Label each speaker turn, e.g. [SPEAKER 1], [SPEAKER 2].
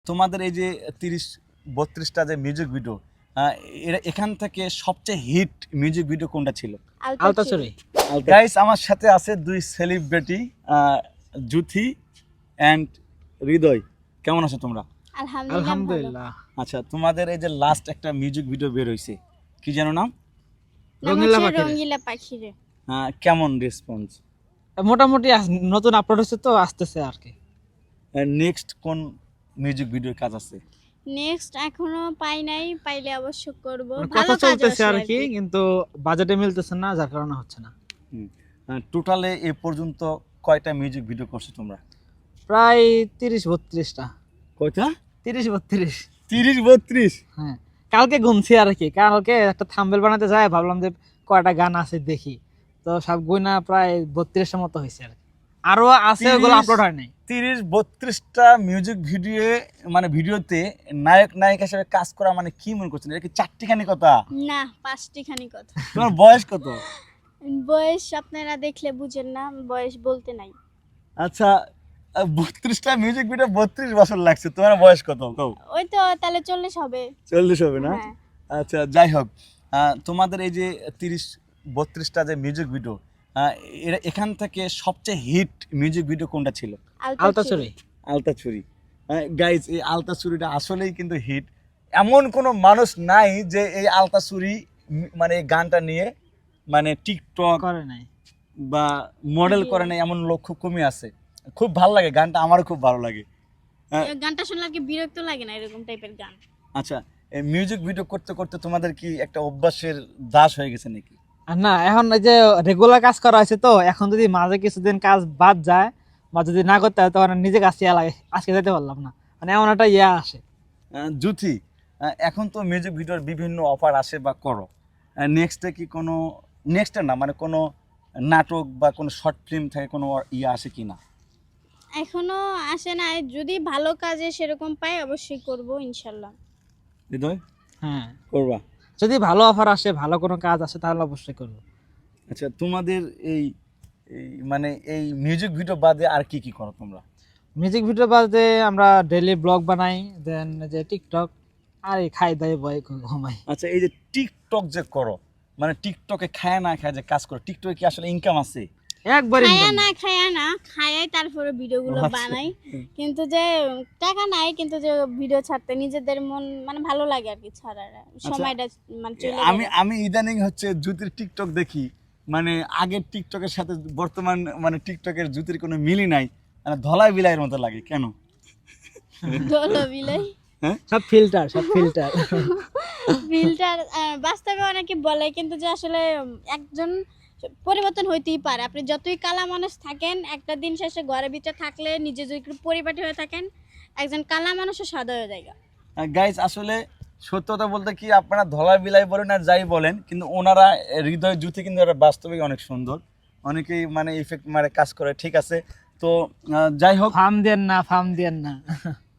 [SPEAKER 1] তোমাদের এই যে 30-32টা যে মিউজিক ভিডিও, এখান থেকে সবচেয়ে হিট মিউজিক ভিডিও কোনটা ছিল?
[SPEAKER 2] আলতাচুরি।
[SPEAKER 1] গাইস, আমার সাথে আছে দুই সেলিব্রিটি, জুথি অ্যান্ড হৃদয়। কেমন আছো তোমরা?
[SPEAKER 2] আলহামদুলিল্লাহ।
[SPEAKER 1] আচ্ছা, তোমাদের এই যে লাস্ট একটা মিউজিক ভিডিও বের হইছে, কি জানো নাম?
[SPEAKER 3] রঙিলা পাখি রে।
[SPEAKER 1] কেমন রেসপন্স?
[SPEAKER 2] মোটামুটি নতুন আপলোড হচ্ছে তো আসতেছে আর কি।
[SPEAKER 1] নেক্সট কোন মিউজিক ভিডিওর কাজ আছে?
[SPEAKER 3] নেক্সট এখনো পাই নাই, পাইলে অবশ্য করব।
[SPEAKER 2] কথা চলতেছে আর কি, কিন্তু বাজেটে মিলতেছে না, যার কারণে হচ্ছে না।
[SPEAKER 1] টোটালে এ পর্যন্ত কয়টা মিউজিক ভিডিও করছো তোমরা?
[SPEAKER 2] প্রায় 30-32টা।
[SPEAKER 1] কয়টা?
[SPEAKER 2] 30-32।
[SPEAKER 1] 30-32?
[SPEAKER 2] হ্যাঁ, কালকে গুনছি আর কি। কালকে একটা থাম্বনেল বানাতে যায়, ভাবলাম যে কয়টা গান আছে দেখি, তো সব গুনা প্রায় 32টার মতো হয়েছে আর কি। আরো আছে, ওগুলো আপলোড হয় নাই।
[SPEAKER 1] 30-32টা মিউজিক ভিডিও, মানে ভিডিওতে নায়ক নায়িকা হিসেবে কাজ করা মানে কি মনে করছেন? এটা কি চারটিখানি কথা?
[SPEAKER 3] না, 5টি খানি কথা।
[SPEAKER 1] তোমার বয়স কত?
[SPEAKER 3] বয়স আপনারা দেখলে বুঝেন না, বয়স বলতে নাই।
[SPEAKER 1] আচ্ছা, 32টা মিউজিক ভিডিও 32 বছর লাগছে, তোমার বয়স কত? কও।
[SPEAKER 3] ওই তো তাহলে 40 হবে।
[SPEAKER 1] 40 হবে না?
[SPEAKER 3] হ্যাঁ।
[SPEAKER 1] আচ্ছা, যাই হোক, তোমাদের এই যে 30-32টা যে মিউজিক ভিডিও, এখান থেকে সবচেয়ে হিট মিউজিক ভিডিও কোনটা ছিল?
[SPEAKER 2] আলতাচুরি।
[SPEAKER 1] আলতাছুরি। গাইজ, এই আলতাছুরিটা আসলেই কিন্তু হিট। এমন কোনো মানুষ নাই যে এই আলতাছুরি মানে এই গানটা নিয়ে মানে টিকটক
[SPEAKER 2] করে নাই
[SPEAKER 1] বা মডেল করে নাই, এমন লোক খুব কমই আছে। খুব ভালো লাগে গানটা, আমারও খুব ভালো লাগে।
[SPEAKER 3] এই গানটা শুনলে কি বিরক্ত লাগে না? এরকম টাইপের গান।
[SPEAKER 1] আচ্ছা, এই মিউজিক ভিডিও করতে করতে তোমাদের কি একটা অভ্যাসের দাস হয়ে গেছে নাকি?
[SPEAKER 2] আর না, এখন এই যে রেগুলার কাজ করা হয়েছে তো, এখন যদি মাঝে কিছুদিন কাজ বাদ যায় বা যদি না করতে হয়, তখন নিজে কাজ ইয়া লাগে, আজকে যেতে পারলাম না, মানে এমন একটা ইয়া আসে।
[SPEAKER 1] জুথি, এখন তো মিউজিক ভিডিওর বিভিন্ন অফার আসে বা করো, নেক্সটে কি কোনো, নেক্সটে না মানে কোনো নাটক বা কোনো শর্ট ফিল্ম থেকে কোনো ইয়ে আসে কি না?
[SPEAKER 3] এখনো আসে না, যদি ভালো কাজে সেরকম পাই অবশ্যই করব ইনশাআল্লাহ।
[SPEAKER 1] হৃদয়,
[SPEAKER 2] হ্যাঁ,
[SPEAKER 1] করবা?
[SPEAKER 2] যদি ভালো অফার আসে, ভালো কোনো কাজ আসে, তাহলে অবশ্যই করবো।
[SPEAKER 1] আচ্ছা, তোমাদের এই মানে এই মিউজিক ভিডিও বাদে আর কি কি করো তোমরা?
[SPEAKER 2] মিউজিক ভিডিও বাদে আমরা ডেইলি ব্লগ বানাই, দেন যে টিকটক, আর এই খাই দাই বই ঘুমাই।
[SPEAKER 1] আচ্ছা, এই যে টিকটক যে করো, মানে টিকটকে খায় না খায় যে কাজ করো, টিকটকে কি আসলে ইনকাম আছে?
[SPEAKER 2] একবারই
[SPEAKER 3] খায়া না খায়াই তারপরে ভিডিওগুলো
[SPEAKER 1] আচ্ছা।
[SPEAKER 3] বানাই, কিন্তু যে টাকা নাই, কিন্তু যে ভিডিও ছাড়তে নিজেদের মন মানে ভালো লাগে আর কি, ছাড়ার সময়টা মানে চলে
[SPEAKER 1] আমি
[SPEAKER 3] যায়।
[SPEAKER 1] আমি ইদানিং হচ্ছে জুতির টিকটক দেখি, মানে আগের টিকটকের সাথে বর্তমান মানে টিকটকের জুতির কোনো মিলই নাই, মানে ধলাই বিলাইয়ের মতো লাগে। কেন?
[SPEAKER 3] ডলো বিলাই
[SPEAKER 2] সব ফিল্টার, সব ফিল্টার।
[SPEAKER 3] ফিল্টার বাস্তবে অনেকে বলে, কিন্তু যে আসলে একজন পরিবর্তন হইতেই পারে। আপনি যতই কালা মানুষ থাকেন, একটা দিন শেষে ঘরের ভিতরে থাকলে, নিজে যদি একটু পরিপাটি হয়ে থাকেন, একজন কালা মানুষও সাদা হয়ে যায়।
[SPEAKER 1] গাইজ, আসলে সত্যতা বলতে কি, আপনারা ধলাই বিলাই বলেন আর যাই বলেন, কিন্তু ওনারা হৃদয় জুতি কিন্তু ওরা বাস্তবিক অনেক সুন্দর, অনেকেই মানে ইফেক্ট মারে কাজ করে। ঠিক আছে, তো যাই হোক,
[SPEAKER 2] ফার্ম দেন না, ফার্ম দেন না।